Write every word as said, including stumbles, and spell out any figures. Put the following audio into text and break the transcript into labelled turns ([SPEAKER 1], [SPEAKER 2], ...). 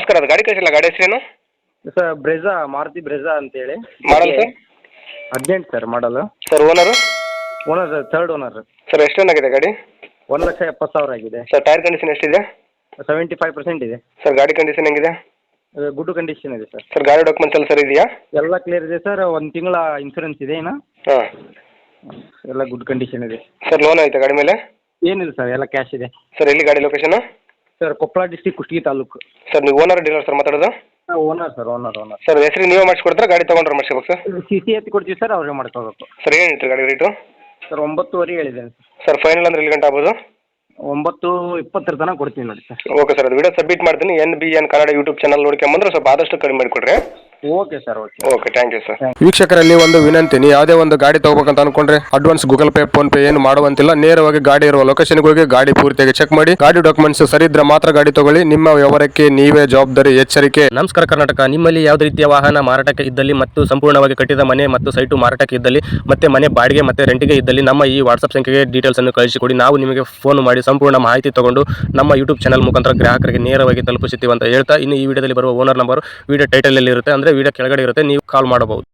[SPEAKER 1] ನಮಸ್ಕಾರ, ಅದು ಗಾಡಿ ಕಳಿಸಿಲ್ಲ, ಗಾಡಿ ಹೆಸರೇನು?
[SPEAKER 2] ಸರ್ ಬ್ರೆಝಾ, ಮಾರುತಿ ಬ್ರೆಝಾ ಅಂತೇಳಿ.
[SPEAKER 1] Model sir?
[SPEAKER 2] ಹದಿನೆಂಟು ಸರ್ ಮಾಡಲು.
[SPEAKER 1] Sir owner?
[SPEAKER 2] Owner sir third owner.
[SPEAKER 1] Sir ಎಷ್ಟು ರನ್ ಆಗಿದೆ ಗಾಡಿ?
[SPEAKER 2] ಒಂದು ಲಕ್ಷ ಎಪ್ಪತ್ತು ಸಾವಿರ ಆಗಿದೆ.
[SPEAKER 1] ಸರ್ ಟೈರ್ ಕಂಡೀಷನ್ ಎಷ್ಟಿದೆ?
[SPEAKER 2] ಸೆವೆಂಟಿ ಫೈವ್ ಪರ್ಸೆಂಟ್ ಇದೆ.
[SPEAKER 1] ಸರ್ ಗಾಡಿ ಕಂಡೀಷನ್ ಹೆಂಗಿದೆ?
[SPEAKER 2] ಗುಡ್ ಕಂಡೀಷನ್ ಇದೆ ಸರ್.
[SPEAKER 1] ಸರ್ ಗಾಡಿ ಡಾಕ್ಯುಮೆಂಟ್ಸ್ ಎಲ್ಲ ಸರ್ ಇದೆಯಾ?
[SPEAKER 2] ಎಲ್ಲ ಕ್ಲಿಯರ್ ಇದೆ ಸರ್. ಒಂದು ತಿಂಗಳ ಇನ್ಸೂರೆನ್ಸ್ ಇದೆ ಇನ್ನು.
[SPEAKER 1] ಹಾಂ,
[SPEAKER 2] ಎಲ್ಲ ಗುಡ್ ಕಂಡೀಷನ್ ಇದೆ.
[SPEAKER 1] ಸರ್ ಲೋನ್ ಆಯ್ತಾ ಗಾಡಿ ಮೇಲೆ?
[SPEAKER 2] ಏನಿಲ್ಲ ಸರ್, ಎಲ್ಲ ಕ್ಯಾಶ್ ಇದೆ.
[SPEAKER 1] ಸರ್ ಎಲ್ಲಿ ಗಾಡಿ location?
[SPEAKER 2] Sir Koppal district, Kushtagi taluk.
[SPEAKER 1] Sir ನೀವು ಓನರ್ ಡೀಲರ್ ಸರ್ ಮಾತಾಡೋದು?
[SPEAKER 2] Owner sir, owner owner.
[SPEAKER 1] Sir ಹೆಸರು ನೀವೇ ಮಾಡಿಸ್ಕೊಡ್ತಾರೆ, ಗಾಡಿ ತೊಗೊಂಡ್ರೆ ಮಾಡಿಸ್ಬೇಕು ಸರ್?
[SPEAKER 2] ಸಿ ಸಿ ಎತ್ತಿ ಕೊಡ್ತೀವಿ ಸರ್, ಅವರೇ ಮಾಡ್ಕೋಬೇಕು.
[SPEAKER 1] ಸರ್ ಏನು ಹೇಳ್ತೀರಿ ಗಾಡಿ ರೇಟು?
[SPEAKER 2] ಸರ್ ಒಂಬತ್ತುವರೆ ಹೇಳಿದ್ದೇನೆ ಸರ್.
[SPEAKER 1] ಸರ್ ಫೈನಲ್ ಅಂದ್ರೆ ಎಲ್ಲಿ ಗಂಟೆ ಆಗ್ಬೋದು?
[SPEAKER 2] ಒಂಬತ್ತು ಇಪ್ಪತ್ತರ ತನಕ ಕೊಡ್ತೀನಿ ನೋಡಿ ಸರ್.
[SPEAKER 1] ಓಕೆ ಸರ್, ಅದು ವಿಡಿಯೋ ಸಬ್ಮಿಟ್ ಮಾಡ್ತೀನಿ. N B N Kannada YouTube channel ನೋಡ್ಕೊಂಬಂದ್ರೆ ಸ್ವಲ್ಪ ಆದಷ್ಟು ಕಡಿಮೆ ಮಾಡಿಕೊಡ್ರಿ.
[SPEAKER 2] Okay sir, okay
[SPEAKER 1] okay, thank you sir.
[SPEAKER 3] ವೀಕ್ಷಕರಲ್ಲಿ ಒಂದು ವಿನಂತಿ, ನೀವು ಯಾವುದೇ ಒಂದು ಗಾಡಿ ತಗೋಬೇಕಂತ ಅನ್ಕೊಂಡ್ರೆ advance Google Pay PhonePe ಏನು ಮಾಡುವಂತಿಲ್ಲ. ನೇರವಾಗಿ ಗಾಡಿ ಇರುವ ಲೊಕೇಶನ್ಗೆ ಹೋಗಿ ಗಾಡಿ ಪೂರ್ತಿಯಾಗಿ ಚೆಕ್ ಮಾಡಿ, ಗಾಡಿ ಡಾಕ್ಯುಮೆಂಟ್ಸ್ ಸರಿ ಇದ್ರೆ ಮಾತ್ರ ಗಾಡಿ ತಗೊಳ್ಳಿ. ನಿಮ್ಮ ವ್ಯವಹಾರಕ್ಕೆ ನೀವೇ ಜವಾಬ್ದಾರಿ. ಎಚ್ಚರಿಕೆ.
[SPEAKER 4] ನಮಸ್ಕಾರ ಕರ್ನಾಟಕ. ನಿಮ್ಮಲ್ಲಿ ಯಾವುದೇ ರೀತಿಯ ವಾಹನ ಮಾರಾಟಕ್ಕೆ ಇದ್ದಲ್ಲಿ ಮತ್ತು ಸಂಪೂರ್ಣವಾಗಿ ಕಟ್ಟಿದ ಮನೆ ಮತ್ತು ಸೈಟು ಮಾರಾಟಕ್ಕೆ ಇದ್ದಲ್ಲಿ ಮತ್ತೆ ಮನೆ ಬಾಡಿಗೆ ಮತ್ತು ರೆಂಟಿಗೆ ಇದ್ದಲ್ಲಿ ನಮ್ಮ ಈ ವಾಟ್ಸ್ಆಪ್ ಸಂಖ್ಯೆಗೆ ಡೀಟೇಲ್ಸ್ ಅನ್ನು ಕಳಿಸಿಕೊಡಿ. ನಾವು ನಿಮಗೆ ಫೋನ್ ಮಾಡಿ ಸಂಪೂರ್ಣ ಮಾಹಿತಿ ತಗೊಂಡು ನಮ್ಮ ಯೂಟ್ಯೂಬ್ ಚಾನಲ್ ಮುಖಾಂತರ ಗ್ರಾಹಕರಿಗೆ ನೇರವಾಗಿ ತಲುಪಿಸುತ್ತೀವಿ ಅಂತ ಹೇಳ್ತಾ, ಇನ್ನು ಈ ವಿಡಿಯೋದಲ್ಲಿ ಬರುವ ಓನರ್ ನಂಬರ್ ವಿಡಿಯೋ ಟೈಟಲ್ ಅಲ್ಲಿ ಇರುತ್ತೆ, ಅಂದ್ರೆ ವಿಡಿಯೋ ಕೆಳಗಡೆ ಇರುತ್ತೆ, ನೀವು ಕಾಲ್ ಮಾಡಬಹುದು.